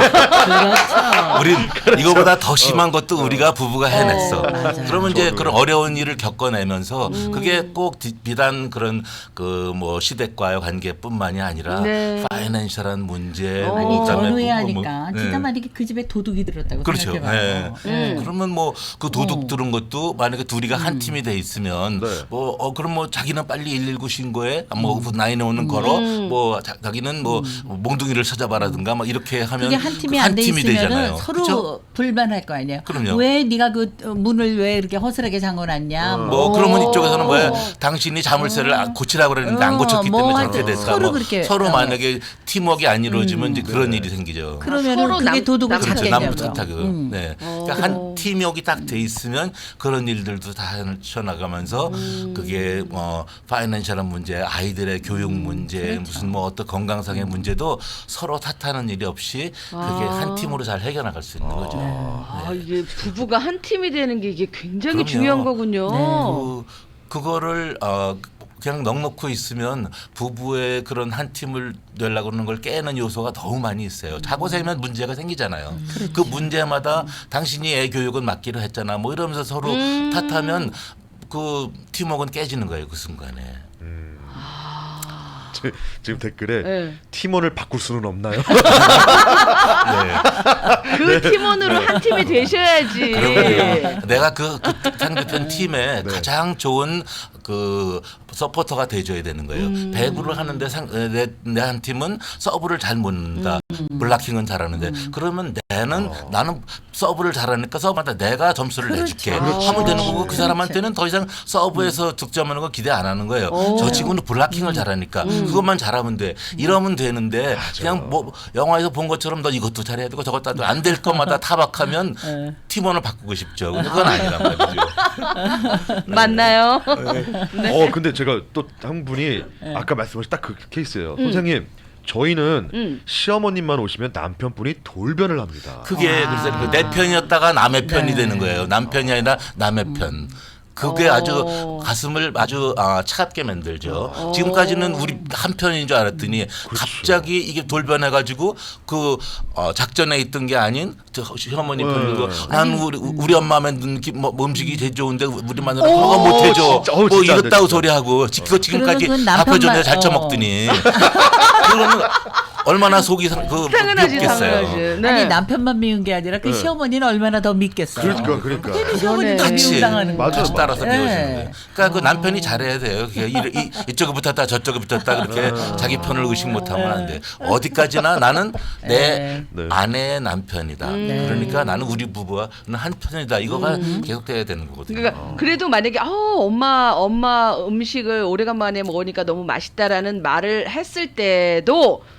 Speaker 5: 그렇죠.
Speaker 4: 우린 이거보다 더 심한 것도 우리가 부부가 해냈어.
Speaker 5: 어, 맞아요.
Speaker 4: 그러면 이제
Speaker 2: 전우회.
Speaker 4: 그런 어려운 일을 겪어내면서 그게 꼭 디- 비단 그런 그 뭐 시댁과의 관계뿐만이 아니라
Speaker 3: 네.
Speaker 4: 파이낸셜한 문제,
Speaker 3: 어.
Speaker 5: 아니
Speaker 4: 뭐 그다음에
Speaker 5: 전후에
Speaker 4: 뭐-
Speaker 5: 하니까
Speaker 4: 뭐-
Speaker 5: 진짜
Speaker 4: 네.
Speaker 5: 만약에 그 집에 도둑이 들었다고
Speaker 4: 그렇죠.
Speaker 5: 생각해봐요.
Speaker 4: 네.
Speaker 5: 네.
Speaker 4: 그러면 뭐 그 도둑 들은 것도 만약에 둘이가 한 팀이 돼 있으면
Speaker 2: 네.
Speaker 4: 뭐 어 그럼 뭐 자기는 빨리 일일구 신고해 뭐 나인오는 걸어 뭐 자, 자기는 뭐 몽둥이를 찾아봐라든가 막 이렇게 하면
Speaker 5: 그게 한 팀이
Speaker 4: 그
Speaker 5: 안 돼
Speaker 4: 팀이
Speaker 5: 있으면은
Speaker 4: 되잖아요.
Speaker 5: 서로
Speaker 4: 그쵸?
Speaker 5: 불만할 거 아니에요.
Speaker 4: 그럼요.
Speaker 5: 왜 네가 그 어, 문을 왜 이렇게 허술하게 잠궈놨냐.
Speaker 4: 뭐 그러면 이쪽에서는 왜 당신이 자물쇠를 안 고치라고 그랬는데 안
Speaker 5: 어,
Speaker 4: 고쳤기
Speaker 5: 뭐
Speaker 4: 때문에
Speaker 5: 하여튼
Speaker 4: 저렇게 됐다.
Speaker 5: 서로
Speaker 4: 뭐
Speaker 5: 그렇게,
Speaker 4: 서로
Speaker 5: 어.
Speaker 4: 만약에 팀워크가 안 이루어지면 이제 그런 일이 생기죠.
Speaker 5: 그러면은
Speaker 3: 서로
Speaker 5: 그게
Speaker 3: 남-
Speaker 5: 도둑을
Speaker 3: 남-
Speaker 4: 그렇죠.
Speaker 5: 찾겠냐고요.
Speaker 4: 남부 탓하고.
Speaker 5: 음.
Speaker 4: 네.
Speaker 3: 어.
Speaker 4: 그러니까 한 팀워크가 딱 돼 있으면 그런 일들도 다 헤쳐나가면서 그게 뭐 파이낸셜한 문제, 아이들의 교육 문제, 무슨 뭐 어떤 건강상의 문제도 서로 탓하는 일이 없이 그게
Speaker 3: 아.
Speaker 4: 한 팀으로 잘 해결나갈 수 있는 거죠.
Speaker 3: 아, 이게 부부가 한 팀이 되는 게 이게 굉장히
Speaker 4: 그럼요.
Speaker 3: 중요한 거군요.
Speaker 4: 그, 그거를 어, 그냥 넉넉히 있으면 부부의 그런 한 팀을 되려고 하는 걸 깨는 요소가 너무 많이 있어요. 자고 세면 문제가 생기잖아요. 그 문제마다 당신이 애 교육은 맡기로 했잖아. 뭐 이러면서 서로
Speaker 3: 음.
Speaker 4: 탓하면 그 팀워크는 깨지는 거예요. 그 순간에.
Speaker 2: 지- 지금 댓글에
Speaker 3: 네.
Speaker 2: 팀원을 바꿀 수는 없나요?
Speaker 4: 네.
Speaker 3: 그 팀원으로 한 팀이 되셔야지.
Speaker 4: 그러면 내가 그, 그 상대편
Speaker 2: 네.
Speaker 4: 팀에 가장 좋은 그 서포터가 돼줘야 되는 거예요.
Speaker 3: 음.
Speaker 4: 배구를 하는데 내 한 팀은 서브를 잘 못 넣는다.
Speaker 3: 음.
Speaker 4: 블락킹은 잘하는데 그러면 내는 나는 서브를 잘하니까 서브마다 내가 점수를
Speaker 5: 그렇죠.
Speaker 4: 내줄게
Speaker 5: 그렇죠.
Speaker 4: 하면 되는 거고 그
Speaker 5: 그렇죠.
Speaker 4: 사람한테는 더 이상 서브에서 득점하는 거 기대 안 하는 거예요.
Speaker 3: 오.
Speaker 4: 저 친구는 블락킹을 잘하니까 그것만 잘하면 돼. 이러면 되는데 그냥 뭐 영화에서 본 것처럼 너 이것도 잘해야 되고 저것도 안 될 것마다 타박하면
Speaker 5: 네.
Speaker 4: 팀원을 바꾸고 싶죠. 근데 그건 아니란 말이죠.
Speaker 3: 맞나요?
Speaker 2: 어 근데 제가 또 한 분이 아까 말씀하신 딱 그 케이스예요. 선생님 저희는
Speaker 3: 음.
Speaker 2: 시어머님만 오시면 남편분이 돌변을 합니다.
Speaker 4: 그게
Speaker 5: 아.
Speaker 4: 그래서 내 편이었다가 남의 편이
Speaker 5: 네.
Speaker 4: 되는 거예요. 남편이 아니라 남의 편. 그게
Speaker 3: 어.
Speaker 4: 아주 가슴을 아주 아, 차갑게 만들죠.
Speaker 3: 어.
Speaker 4: 지금까지는 우리 한 편인 줄 알았더니 갑자기 이게 돌변해가지고 그 어, 작전에 있던 게 아닌 저 시어머니
Speaker 2: 네.
Speaker 4: 편이고 난 우리 우리 엄마 만든 기- 뭐 음식이 제일 좋은데 우리 마누라
Speaker 3: 오,
Speaker 4: 그거 못 해줘.
Speaker 2: 진짜. 어우,
Speaker 4: 뭐
Speaker 2: 진짜 안 돼,
Speaker 4: 이렇다고
Speaker 2: 진짜.
Speaker 4: 소리하고 그거 지금까지
Speaker 5: 그러면
Speaker 4: 밥
Speaker 5: 남편만-
Speaker 4: 해줬는데 잘
Speaker 5: 어.
Speaker 4: 처먹더니 그러면 얼마나 속이 상- 그
Speaker 3: 당연하지,
Speaker 4: 미웠겠어요.
Speaker 3: 당연하지. 네.
Speaker 5: 아니 남편만 미운 게 아니라 그
Speaker 2: 네.
Speaker 5: 시어머니는 얼마나 더 믿겠어요.
Speaker 2: 그러니까 그러니까.
Speaker 5: 괜히 시어머니 더
Speaker 3: 그러네.
Speaker 5: 미움당하는
Speaker 2: 맞아요,
Speaker 5: 거예요.
Speaker 4: 같이 따라서
Speaker 5: 네.
Speaker 4: 배우시는 거예요. 그러니까 그 남편이 잘해야 돼요. 그게 이, 이, 이쪽에 붙었다 저쪽에 붙었다 그렇게 자기 편을 의식 못하면 안 돼. 어디까지나 나는 내
Speaker 2: 네.
Speaker 4: 아내의 남편이다.
Speaker 5: 네.
Speaker 4: 그러니까 나는 우리 부부와 한 편이다. 이거가 계속돼야 되는 거거든요.
Speaker 3: 그러니까 그래도 만약에 어, 엄마 엄마 음식을 오래간만에 먹으니까 너무 맛있다라는 말을 했을 때도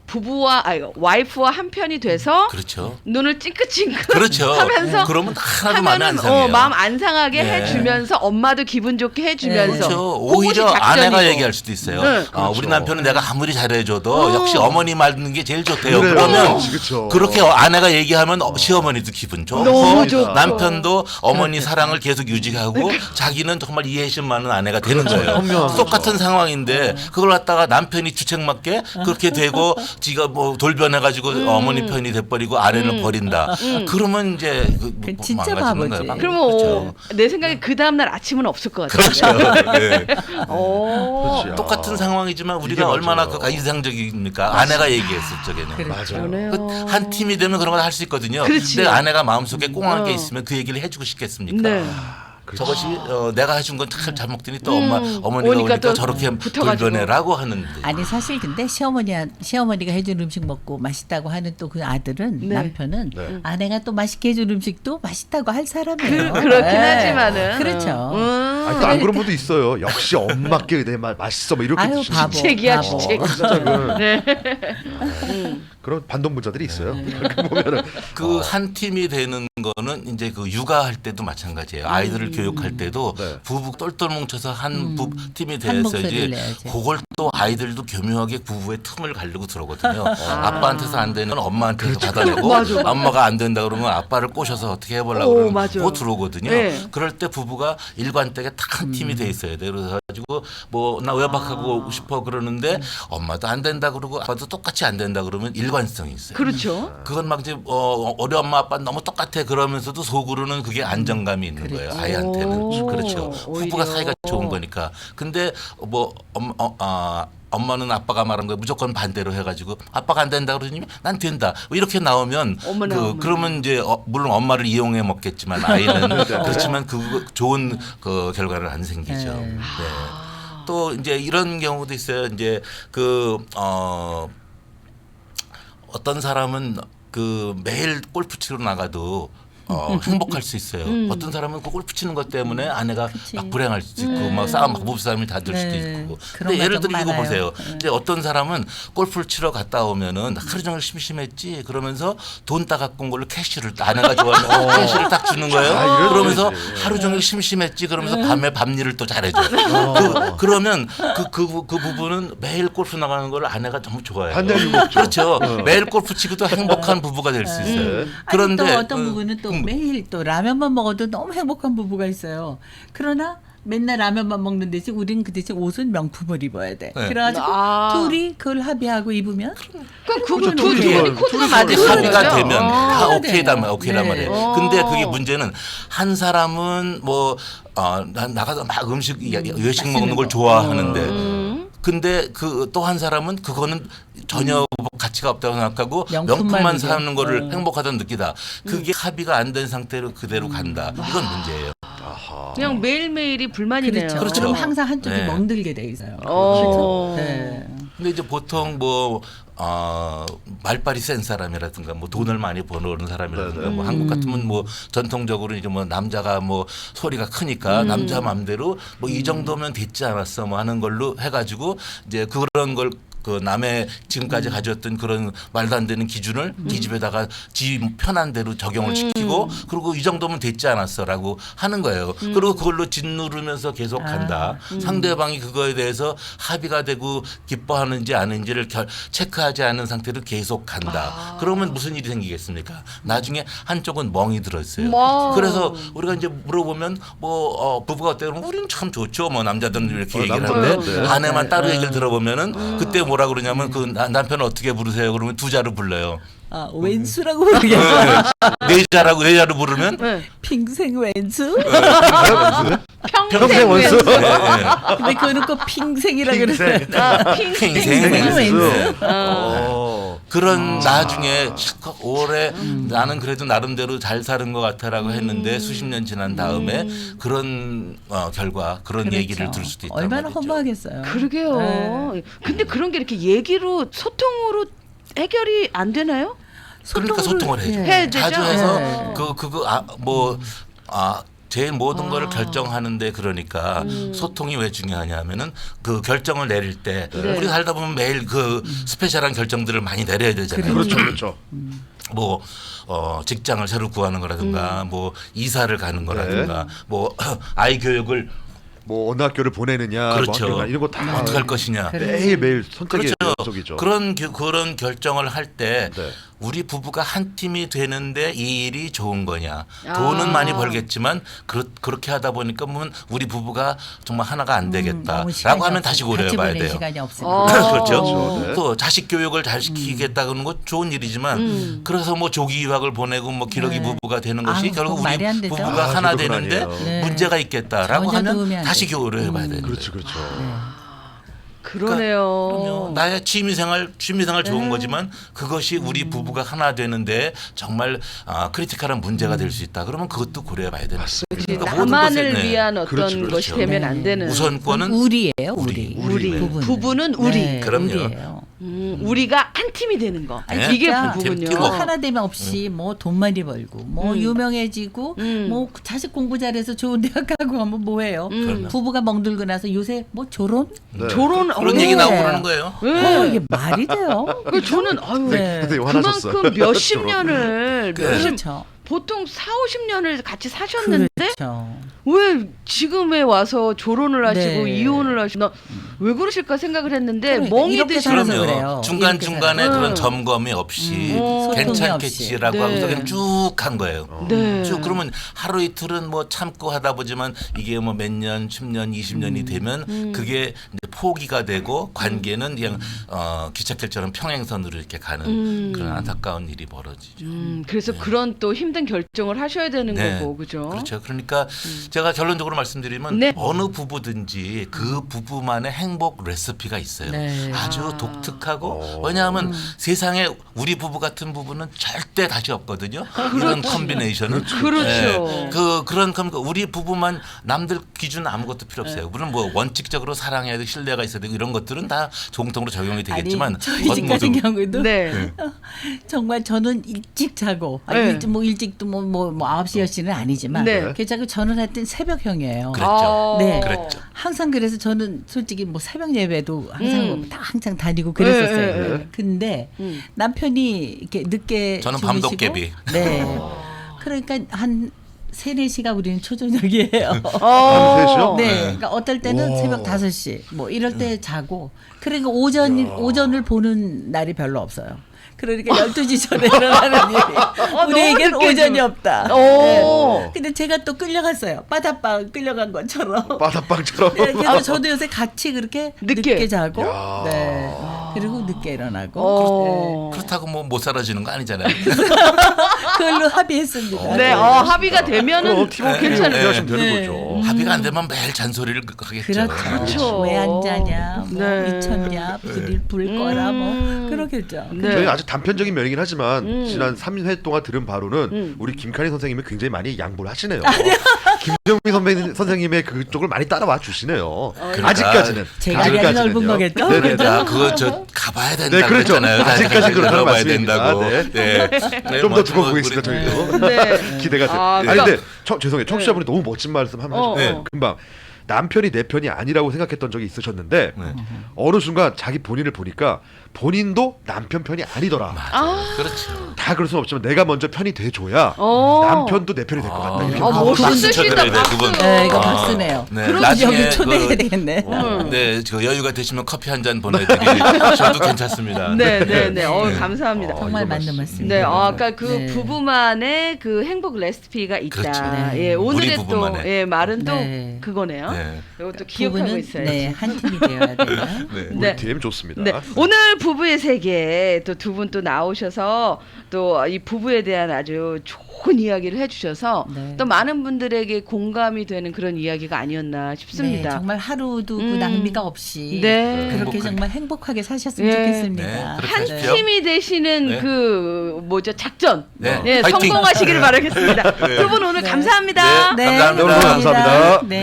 Speaker 3: 부부와 아니, 와이프와 한 편이 돼서
Speaker 4: 그렇죠.
Speaker 3: 눈을 찡긋찡긋
Speaker 4: 그렇죠.
Speaker 3: 하면서
Speaker 4: 그러면 하나도 마음이 안
Speaker 3: 하면은
Speaker 4: 상해요.
Speaker 3: 어, 마음 안 상하게
Speaker 4: 네.
Speaker 3: 해주면서 엄마도 기분 좋게 해주면서
Speaker 4: 그렇죠.
Speaker 3: 그것이
Speaker 4: 오히려
Speaker 3: 작전이고.
Speaker 4: 아내가 얘기할 수도 있어요.
Speaker 3: 네.
Speaker 4: 어, 우리
Speaker 2: 그렇죠.
Speaker 4: 남편은 내가 아무리 잘해줘도
Speaker 3: 어.
Speaker 4: 역시 어머니 말듣는 게 제일 좋대요.
Speaker 2: 그래요.
Speaker 4: 그러면
Speaker 2: 그렇죠.
Speaker 4: 그렇게 아내가 얘기하면 어, 시어머니도 기분 좋고
Speaker 3: 너무 좋고.
Speaker 4: 남편도 어머니 사랑을 계속 유지하고 자기는 정말 이해심 많은 아내가 되는 거예요.
Speaker 2: 현명한
Speaker 4: 똑같은 상황인데 그걸 갖다가 남편이 주책맞게 그렇게 되고 지가 뭐 돌변해가지고
Speaker 3: 음.
Speaker 4: 어머니 편이 돼버리고 아내를 버린다. 그러면 이제 그 뭐
Speaker 5: 그 진짜
Speaker 4: 망가지는
Speaker 5: 바보지.
Speaker 4: 거예요.
Speaker 3: 그러면
Speaker 4: 그렇죠.
Speaker 3: 어, 내 생각에 그 다음날 아침은 없을 것 같아요.
Speaker 4: 그렇죠. 네.
Speaker 3: 오.
Speaker 2: 그렇지.
Speaker 4: 똑같은
Speaker 2: 아,
Speaker 4: 상황이지만
Speaker 2: 이게
Speaker 4: 우리가 얼마나
Speaker 2: 맞아요.
Speaker 4: 그 인상적입니까? 아내가 얘기했을 적에는.
Speaker 5: 그래.
Speaker 2: 맞아요.
Speaker 3: 그러네요.
Speaker 4: 그 한 팀이 되면 그런 걸 할 수 있거든요.
Speaker 3: 그렇지.
Speaker 4: 근데 아내가 마음속에 꽁한 게
Speaker 3: 어.
Speaker 4: 있으면 그 얘기를 해주고 싶겠습니까?
Speaker 3: 네.
Speaker 4: 저것이 어, 내가 해준 건 잘 잘 먹더니 또
Speaker 3: 음,
Speaker 4: 엄마 어머니가
Speaker 3: 오니까
Speaker 4: 오니까
Speaker 3: 또
Speaker 4: 저렇게
Speaker 3: 붙어가지고.
Speaker 4: 돌변해라고 하는.
Speaker 5: 아니 사실 근데 시어머니 시어머니가 해준 음식 먹고 맛있다고 하는 또 그 아들은
Speaker 3: 네.
Speaker 5: 남편은
Speaker 2: 네.
Speaker 5: 아내가 또 맛있게 해준 음식도 맛있다고 할 사람이에요.
Speaker 3: 그, 그렇긴
Speaker 5: 네.
Speaker 3: 하지만은
Speaker 5: 그렇죠.
Speaker 3: 음.
Speaker 2: 아니, 또안 그런 분도 있어요. 역시 엄마께 내 말 맛있어 뭐 이렇게
Speaker 5: 아유
Speaker 2: 드시는
Speaker 5: 바보.
Speaker 3: 주책이야,
Speaker 5: 바보.
Speaker 3: 주책.
Speaker 2: 진짜 그
Speaker 3: 네.
Speaker 2: 그런 반동문자들이 있어요. 그렇게 보면은
Speaker 4: 그 한 팀이 되는 거는 이제 그 육아할 때도 마찬가지예요. 아이들을 교육할 때도
Speaker 2: 네.
Speaker 4: 부부 똘똘 뭉쳐서 한 부, 팀이
Speaker 5: 한
Speaker 4: 돼서 이제
Speaker 5: 목소리를 내야지.
Speaker 4: 그걸 또 아이들도 교묘하게 부부의 틈을 가르고 들어거든요. 아빠한테서 안 되는 건 엄마한테서 받아내고
Speaker 3: 맞아.
Speaker 4: 엄마가 안 된다 그러면 아빠를 꼬셔서 어떻게 해보려고
Speaker 3: 오,
Speaker 4: 그러면
Speaker 3: 맞아.
Speaker 4: 그거 들어오거든요.
Speaker 3: 네.
Speaker 4: 그럴 때 부부가 일관되게 딱 한 팀이 돼 있어야 돼요. 그래가지고 뭐 나 외박하고 오고 싶어 그러는데 엄마도 안 된다 그러고 아빠도 똑같이 안 된다 그러면 일관성이 있어요.
Speaker 3: 그렇죠.
Speaker 4: 그건 막 이제 어, 우리 엄마 아빠 너무 똑같아 그러면서도 속으로는 그게 안정감이 있는 거예요. 아이한테는.
Speaker 3: 오,
Speaker 4: 그렇죠.
Speaker 3: 오히려.
Speaker 4: 부부가 사이가 좋은 거니까. 근데 뭐 엄, 어, 아, 엄마는 아빠가 말한 거에 무조건 반대로 해가지고 아빠가 안 된다 그러니 난 된다 뭐 이렇게 나오면
Speaker 3: 어머나,
Speaker 4: 그,
Speaker 3: 어머나.
Speaker 4: 그러면 이제 어, 물론 엄마를 이용해 먹겠지만 아이는 그렇지만 그 좋은 그 결과는 안 생기죠.
Speaker 5: 네.
Speaker 4: 네. 또 이제 이런 경우도 있어요. 이제 그 어. 어떤 사람은 그 매일 골프 치러 나가도 어, 행복할 수 있어요.
Speaker 3: 음.
Speaker 4: 어떤 사람은 그 골프 치는 것 때문에 아내가
Speaker 5: 그치.
Speaker 4: 막 불행할 수 있고 막 싸움 부부싸움이 다 될 수도
Speaker 5: 네.
Speaker 4: 있고.
Speaker 5: 그런
Speaker 4: 근데 예를
Speaker 5: 가정
Speaker 4: 들어 이거
Speaker 5: 많아요.
Speaker 4: 보세요.
Speaker 5: 네.
Speaker 4: 이제 어떤 사람은 골프를 치러 갔다 오면은 하루 종일 심심했지 그러면서 돈 따갖고 온 걸로 캐시를 아내가 좋아하는 캐시를 딱 주는 거예요.
Speaker 2: 아, 이럴
Speaker 4: 그러면서
Speaker 2: 수 있지.
Speaker 4: 하루 종일 심심했지 그러면서
Speaker 5: 네.
Speaker 4: 밤에 밤일을 또 잘해줘. 그, 그러면 그, 그, 그 부부는 매일 골프 나가는 걸 아내가 너무 좋아해요.
Speaker 2: 반대로 먹죠.
Speaker 4: 그렇죠. 매일 골프 치고도 행복한 부부가 될 수 있어요.
Speaker 2: 네.
Speaker 4: 그런데
Speaker 5: 아니, 또 어떤
Speaker 4: 어,
Speaker 5: 부부는 또
Speaker 4: 음,
Speaker 5: 매일 또 라면만 먹어도 너무 행복한 부부가 있어요. 그러나 맨날 라면만 먹는 대신 우리는 그 대신 옷은 명품을 입어야 돼.
Speaker 4: 네.
Speaker 5: 그래가지고
Speaker 3: 아.
Speaker 5: 둘이 그걸 합의하고 입으면
Speaker 3: 그럼 그거
Speaker 2: 그렇죠.
Speaker 3: 두
Speaker 2: 둘이
Speaker 3: 둘이
Speaker 2: 좋아요.
Speaker 3: 코드가
Speaker 2: 둘이
Speaker 3: 맞는
Speaker 2: 좋아요.
Speaker 4: 합의가
Speaker 3: 거죠.
Speaker 4: 되면
Speaker 3: 어.
Speaker 4: 다
Speaker 5: 네.
Speaker 4: 오케이단 말 오케이란
Speaker 5: 네.
Speaker 4: 말이에요.
Speaker 3: 어.
Speaker 4: 근데 그게 문제는 한 사람은 뭐 어, 나- 나가서 막 음식 외식 먹는 걸
Speaker 5: 거.
Speaker 4: 좋아하는데
Speaker 3: 음.
Speaker 4: 근데 그 또 한 사람은 그거는 전혀 가치가 없다고 생각하고
Speaker 5: 명품만
Speaker 4: 명품만
Speaker 5: 이제.
Speaker 4: 사는 거를
Speaker 5: 어.
Speaker 4: 행복하다고 느끼다. 그게 합의가 안 된 상태로 그대로 간다. 이건 문제예요.
Speaker 2: 아하.
Speaker 3: 그냥 매일매일이 불만이네요.
Speaker 5: 그렇죠.
Speaker 4: 그렇죠.
Speaker 5: 그럼 항상 한쪽이
Speaker 4: 네.
Speaker 5: 멍들게 돼 있어요.
Speaker 3: 어.
Speaker 5: 네.
Speaker 4: 근데 이제 보통 뭐 어, 말빨이 센 사람이라든가 뭐 돈을 많이 버는 사람이라든가
Speaker 2: 네네.
Speaker 4: 뭐 한국 같으면 뭐 전통적으로 이제 뭐 남자가 뭐 소리가 크니까 남자 맘대로 뭐 이 정도면 됐지 않았어 뭐 하는 걸로 해가지고 이제 그런 걸 그 남의 지금까지 가졌던 그런 말도 안 되는 기준을 이 집에다가 지 편한 대로 적용을 시키고 그리고 이 정도면 됐지 않았어라고 하는 거예요. 그리고 그걸로 짓누르면서 계속 간다. 상대방이 그거에 대해서 합의가 되고 기뻐하는지 아닌지를 결, 체크하지 않은 상태로 계속 간다. 그러면 무슨 일이 생기겠습니까? 나중에 한쪽은 멍이 들었어요.
Speaker 3: 와.
Speaker 4: 그래서 우리가 이제 물어보면 뭐 어, 부부가 어때요? 그러면 우리는 참 좋죠. 뭐 남자들은 이렇게
Speaker 2: 어,
Speaker 4: 얘기를
Speaker 2: 남자는
Speaker 4: 하는데
Speaker 2: 네.
Speaker 4: 아내만 따로 얘기를 들어보면은 그때 뭐라 그러냐면 그 나- 남편을 어떻게 부르세요? 그러면 두 자로 불러요.
Speaker 5: 아, 왼수라고 부르겠어.
Speaker 4: 네 자라고 네 자로 부르면
Speaker 3: 네.
Speaker 5: 핑생 왼수?
Speaker 3: 평생
Speaker 2: 원수.
Speaker 3: 왼수.
Speaker 4: 네, 네.
Speaker 5: 근데 그거는 꼭 핑생이라 그러잖아요.
Speaker 3: 아, 핑생.
Speaker 4: 핑생
Speaker 5: 왼수.
Speaker 2: 왼수.
Speaker 3: 어.
Speaker 2: 어.
Speaker 4: 그런 나중에 실컷 오래 나는 그래도 나름대로 잘 사는 것 같아라고 했는데 수십 년 지난 다음에 그런 어, 결과 그런
Speaker 5: 그렇죠.
Speaker 4: 얘기를 들을 수도 있다.
Speaker 5: 얼마나 허무하겠어요.
Speaker 3: 그러게요.
Speaker 5: 네.
Speaker 3: 근데 그런 게 이렇게 얘기로 소통으로 해결이 안 되나요?
Speaker 4: 그러니까 소통을 해야죠.
Speaker 5: 예.
Speaker 3: 해야 되죠?
Speaker 4: 자주 해서
Speaker 5: 네.
Speaker 4: 그 그거 아, 뭐 아. 제일 모든
Speaker 3: 아.
Speaker 4: 거를 결정하는데 그러니까
Speaker 3: 음.
Speaker 4: 소통이 왜 중요하냐면은 그 결정을 내릴 때
Speaker 3: 네.
Speaker 4: 우리 살다 보면 매일 그 스페셜한 결정들을 많이 내려야 되잖아요.
Speaker 2: 그렇죠, 그렇죠.
Speaker 4: 뭐 어, 직장을 새로 구하는 거라든가 뭐 이사를 가는 거라든가 뭐 아이 교육을
Speaker 2: 뭐 어느 학교를 보내느냐,
Speaker 4: 그렇죠.
Speaker 2: 뭐 학교 이런 거 다
Speaker 4: 어떻게 할 것이냐.
Speaker 2: 매일 매일 선택의
Speaker 4: 그렇죠.
Speaker 2: 연속이죠.
Speaker 4: 그런 겨- 그런 결정을 할 때
Speaker 2: 네.
Speaker 4: 우리 부부가 한 팀이 되는데 이 일이 좋은 거냐.
Speaker 3: 아.
Speaker 4: 돈은 많이 벌겠지만 그렇, 그렇게 하다 보니까 보면 우리 부부가 정말 하나가 안
Speaker 5: 음,
Speaker 4: 되겠다라고
Speaker 5: 너무 시간이
Speaker 4: 하면
Speaker 5: 없-
Speaker 4: 다시
Speaker 5: 같이
Speaker 4: 고려해봐야
Speaker 5: 보낼
Speaker 4: 돼요.
Speaker 5: 시간이 없으니까.
Speaker 3: 어.
Speaker 4: 그렇죠.
Speaker 2: 그렇죠. 네.
Speaker 4: 또 자식 교육을 잘 시키겠다는 건 좋은 일이지만
Speaker 3: 음.
Speaker 4: 그래서 뭐 조기 유학을 보내고 뭐 기러기
Speaker 5: 네.
Speaker 4: 부부가 되는 것이
Speaker 5: 아우,
Speaker 4: 결국
Speaker 5: 그건 말이
Speaker 4: 우리
Speaker 5: 안 되죠.
Speaker 4: 부부가
Speaker 2: 아,
Speaker 4: 하나
Speaker 2: 그건
Speaker 4: 되는데
Speaker 2: 아니에요.
Speaker 5: 네.
Speaker 4: 문제가 있겠다라고
Speaker 5: 전혀 도움이
Speaker 4: 하면
Speaker 5: 안
Speaker 4: 다시
Speaker 5: 되죠.
Speaker 4: 고려해봐야 되는
Speaker 2: 그렇죠,
Speaker 4: 거예요.
Speaker 2: 그렇죠.
Speaker 3: 그러네요.
Speaker 4: 그럼요. 나의 취미생활 취미생활 좋은
Speaker 3: 네.
Speaker 4: 거지만 그것이 우리
Speaker 5: 음.
Speaker 4: 부부가 하나 되는데 정말 아, 크리티컬한 문제가 될 수 있다. 그러면 그것도 고려해봐야 되는 거죠. 그러니까 모든
Speaker 3: 나만을
Speaker 4: 것에, 네.
Speaker 3: 위한 어떤
Speaker 2: 그렇죠, 그렇죠.
Speaker 3: 것이 되면 안
Speaker 5: 네.
Speaker 3: 되는.
Speaker 4: 우선권은
Speaker 5: 우리예요, 우리.
Speaker 4: 우리.
Speaker 5: 부부는.
Speaker 3: 부부는 우리.
Speaker 5: 네,
Speaker 4: 그럼요.
Speaker 5: 우리예요.
Speaker 3: 음, 우리가 한 팀이 되는 거.
Speaker 4: 네.
Speaker 3: 이게
Speaker 5: 진짜
Speaker 3: 부부군요.
Speaker 4: 팀
Speaker 5: 뭐
Speaker 4: 워크.
Speaker 5: 하나 되면 없이 뭐 돈 많이 벌고 뭐
Speaker 3: 음.
Speaker 5: 유명해지고
Speaker 3: 음.
Speaker 5: 뭐 자식 공부 잘해서 좋은 대학 가고 하면 뭐해요?
Speaker 3: 음.
Speaker 5: 부부가 멍들고 나서 요새 뭐 결혼?
Speaker 2: 네.
Speaker 3: 조론
Speaker 4: 그런
Speaker 3: 어,
Speaker 4: 얘기 나오고
Speaker 5: 네.
Speaker 4: 그러는 거예요.
Speaker 3: 네.
Speaker 5: 어, 이게 말이 돼요?
Speaker 3: 그 저는 아유
Speaker 5: 네.
Speaker 2: 근데 화나셨어.
Speaker 3: 그만큼 몇십
Speaker 2: 저런.
Speaker 3: 년을
Speaker 4: 그-
Speaker 3: 몇십
Speaker 5: 그렇죠.
Speaker 3: 보통 사오십 년을 같이 사셨는데
Speaker 5: 그렇죠.
Speaker 3: 왜 지금에 와서 조론을 하시고
Speaker 5: 네.
Speaker 3: 이혼을 하시나 왜 그러실까 생각을 했는데
Speaker 5: 그러니까
Speaker 3: 멍이
Speaker 5: 이렇게
Speaker 3: 드시는
Speaker 5: 살아서
Speaker 4: 그럼요.
Speaker 5: 그래요.
Speaker 4: 중간
Speaker 5: 이렇게
Speaker 4: 중간에
Speaker 3: 살아서.
Speaker 4: 그런
Speaker 3: 음.
Speaker 4: 점검이 없이
Speaker 3: 음. 소통이
Speaker 4: 괜찮겠지라고
Speaker 3: 없이.
Speaker 4: 하고서
Speaker 3: 네.
Speaker 4: 그냥 쭉 한 거예요.
Speaker 3: 네.
Speaker 4: 쭉 그러면 하루 이틀은 뭐 참고 하다 보지만 이게 뭐 몇 년, 십 년, 이십 년이 되면
Speaker 3: 음.
Speaker 4: 그게 이제 포기가 되고 관계는 그냥 어, 기찻길처럼 평행선으로 이렇게 가는
Speaker 3: 음.
Speaker 4: 그런 안타까운 일이 벌어지죠.
Speaker 3: 음, 그래서 그런 또 힘든 결정을 하셔야 되는
Speaker 4: 네.
Speaker 3: 거고 그죠?
Speaker 4: 그렇죠. 그러니까 제가 결론적으로 말씀드리면
Speaker 3: 네.
Speaker 4: 어느 부부든지 그 부부만의 행복 레시피가 있어요.
Speaker 5: 네.
Speaker 4: 아주
Speaker 3: 아.
Speaker 4: 독특하고
Speaker 2: 오.
Speaker 4: 왜냐하면 세상에 우리 부부 같은 부부는 절대 다시 없거든요. 이런 컨비네이션은
Speaker 3: 그렇죠.
Speaker 4: 그 그런 그러니까 우리 부부만 남들 기준 아무것도 필요 없어요. 물론 뭐 원칙적으로 사랑해야 되고 신뢰가 있어야 되고 이런 것들은 다 공통으로 적용이 되겠지만
Speaker 5: 아니, 저희 집 같은
Speaker 4: 모두-
Speaker 5: 경우도
Speaker 3: 네.
Speaker 5: 정말 저는 일찍 자고 아니,
Speaker 3: 네.
Speaker 5: 일찍 뭐 일찍도 뭐 뭐 뭐 아홉 시 열 시는 아니지만
Speaker 3: 네.
Speaker 5: 그 자고 저는 하여튼 새벽형이에요.
Speaker 4: 그랬죠.
Speaker 5: 네.
Speaker 4: 그랬죠.
Speaker 5: 항상 그래서 저는 솔직히 뭐 새벽 예배도 항상
Speaker 3: 음.
Speaker 5: 다 항상 다니고 그랬었어요.
Speaker 3: 네, 네, 네.
Speaker 5: 근데
Speaker 3: 음.
Speaker 5: 남편이 이렇게 늦게
Speaker 4: 저는
Speaker 5: 주무시고
Speaker 4: 밤도깨비.
Speaker 5: 네. 그러니까 한 세네 시가 우리는 초저녁이에요.
Speaker 3: 어.
Speaker 2: 한 셋이요?
Speaker 5: 네.
Speaker 4: 네.
Speaker 5: 그러니까 어떨 때는
Speaker 2: 와.
Speaker 5: 새벽 다섯 시 뭐 이럴 때 자고 그러니까 오전 오전을 보는 날이 별로 없어요. 그러니까 열두 시 전에 일어나는 일이 우리에겐
Speaker 3: 너무 늦게
Speaker 5: 오전이
Speaker 3: 주-
Speaker 5: 없다.
Speaker 3: 오.
Speaker 5: 네. 근데 제가 또 끌려갔어요. 바다빵 끌려간 것처럼.
Speaker 2: 바다빵처럼.
Speaker 5: 네, 그래서 저도 요새 같이 그렇게
Speaker 3: 늦게.
Speaker 5: 늦게, 자고
Speaker 2: 야.
Speaker 5: 네. 그리고 늦게 일어나고
Speaker 3: 어.
Speaker 4: 그렇다고 뭐 못 살아지는 거 아니잖아요.
Speaker 5: 그걸로 합의했습니다.
Speaker 3: 네, 어, 합의가 되면은
Speaker 2: 그럼 팀워크
Speaker 3: 괜찮아요.
Speaker 2: 하시면 되는
Speaker 5: 네.
Speaker 2: 거죠.
Speaker 4: 합의가 안 되면 매일 잔소리를 하겠죠.
Speaker 5: 그렇죠.
Speaker 3: 그렇죠.
Speaker 5: 왜 안 자냐, 뭐
Speaker 3: 네.
Speaker 5: 미쳤냐, 불, 불 거라 뭐
Speaker 3: 음.
Speaker 5: 그러겠죠.
Speaker 3: 네.
Speaker 2: 저희 아주 단편적인 면이긴 하지만
Speaker 3: 음.
Speaker 2: 지난 삼 회 동안 들은 바로는
Speaker 3: 음.
Speaker 2: 우리 김카리 선생님이 굉장히 많이 양보를 하시네요. 김정미 선배, 선생님의 그쪽을 많이 따라와 주시네요. 아직까지는.
Speaker 5: 제가 아주
Speaker 2: 아직까지는요.
Speaker 5: 넓은 거겠죠?
Speaker 2: 네네.
Speaker 5: 그죠?
Speaker 4: 자, 그거 저 가봐야 된다
Speaker 2: 네, 그렇죠.
Speaker 4: 그랬잖아요.
Speaker 2: 아직까지 그렇다는
Speaker 4: 들어봐야
Speaker 2: 말씀입니다.
Speaker 4: 된다고.
Speaker 2: 네.
Speaker 4: 네. 네,
Speaker 2: 좀
Speaker 4: 뭐
Speaker 2: 더 두고
Speaker 4: 우리-
Speaker 2: 보겠습니다. 저희도.
Speaker 3: 네.
Speaker 2: 기대가 돼요.
Speaker 3: 아,
Speaker 2: 아니
Speaker 3: 그러니까-
Speaker 2: 근데 저, 죄송해요. 청취자분이 너무 멋진 말씀 한번
Speaker 3: 어,
Speaker 2: 하셨는데
Speaker 3: 어.
Speaker 2: 금방 남편이 내 편이 아니라고 생각했던 적이 있으셨는데
Speaker 4: 네.
Speaker 2: 어느 순간 자기 본인을 보니까 본인도 남편 편이 아니더라.
Speaker 3: 아.
Speaker 4: 그렇죠.
Speaker 2: 다 그럴 수는 없지만 내가 먼저 편이 돼줘야
Speaker 3: 어.
Speaker 2: 남편도 내 편이 될 것 같다. 이렇게
Speaker 3: 아,
Speaker 2: 하고
Speaker 3: 멋있으시다.
Speaker 4: 추천드려야 돼,
Speaker 3: 박수.
Speaker 4: 그분.
Speaker 5: 네, 이거
Speaker 4: 아,
Speaker 5: 박수네요.
Speaker 4: 네,
Speaker 5: 그럼
Speaker 4: 나중에
Speaker 5: 여기 초대해야
Speaker 4: 그-
Speaker 5: 되겠네.
Speaker 3: 음.
Speaker 4: 네, 저 여유가 되시면 커피 한 잔 보내드리기 저도 괜찮습니다.
Speaker 3: 네, 네, 네. 어, 감사합니다.
Speaker 5: 정말
Speaker 2: 이거
Speaker 5: 맞는
Speaker 2: 맞습니다.
Speaker 5: 말씀입니다.
Speaker 3: 네, 어, 아까 그
Speaker 5: 네.
Speaker 3: 부부만의 그 행복 레시피가 있다.
Speaker 4: 그렇죠.
Speaker 5: 네.
Speaker 3: 예, 오늘의
Speaker 4: 우리
Speaker 3: 또
Speaker 4: 부부만의.
Speaker 3: 예, 말은 또
Speaker 5: 네.
Speaker 3: 그거네요.
Speaker 4: 네.
Speaker 3: 이것도 기억하고
Speaker 5: 부부는
Speaker 3: 있어야지.
Speaker 5: 네, 한 팀이 되어야 돼요.
Speaker 4: 네.
Speaker 2: 우리
Speaker 3: 네.
Speaker 2: 팀 좋습니다.
Speaker 3: 네. 오늘 부부의 세계 또 두 분 또 나오셔서 또 이 부부에 대한 아주 좋은 이야기를 해주셔서
Speaker 5: 네.
Speaker 3: 또 많은 분들에게 공감이 되는 그런 이야기가 아니었나
Speaker 5: 네,
Speaker 3: 싶습니다.
Speaker 5: 정말 하루도 그
Speaker 3: 음.
Speaker 5: 낭비가 없이
Speaker 3: 네.
Speaker 5: 그렇게
Speaker 4: 행복하게.
Speaker 5: 정말 행복하게 사셨으면
Speaker 3: 예.
Speaker 5: 좋겠습니다.
Speaker 4: 네, 그렇게
Speaker 3: 한
Speaker 4: 하십시오.
Speaker 3: 팀이 되시는
Speaker 4: 네.
Speaker 3: 그 뭐죠 작전
Speaker 4: 네.
Speaker 3: 예,
Speaker 4: 파이팅!
Speaker 3: 성공하시기를 바라겠습니다. 두 분 오늘 감사합니다.
Speaker 4: 네, 감사합니다.
Speaker 2: 여러분 감사합니다.
Speaker 5: 네.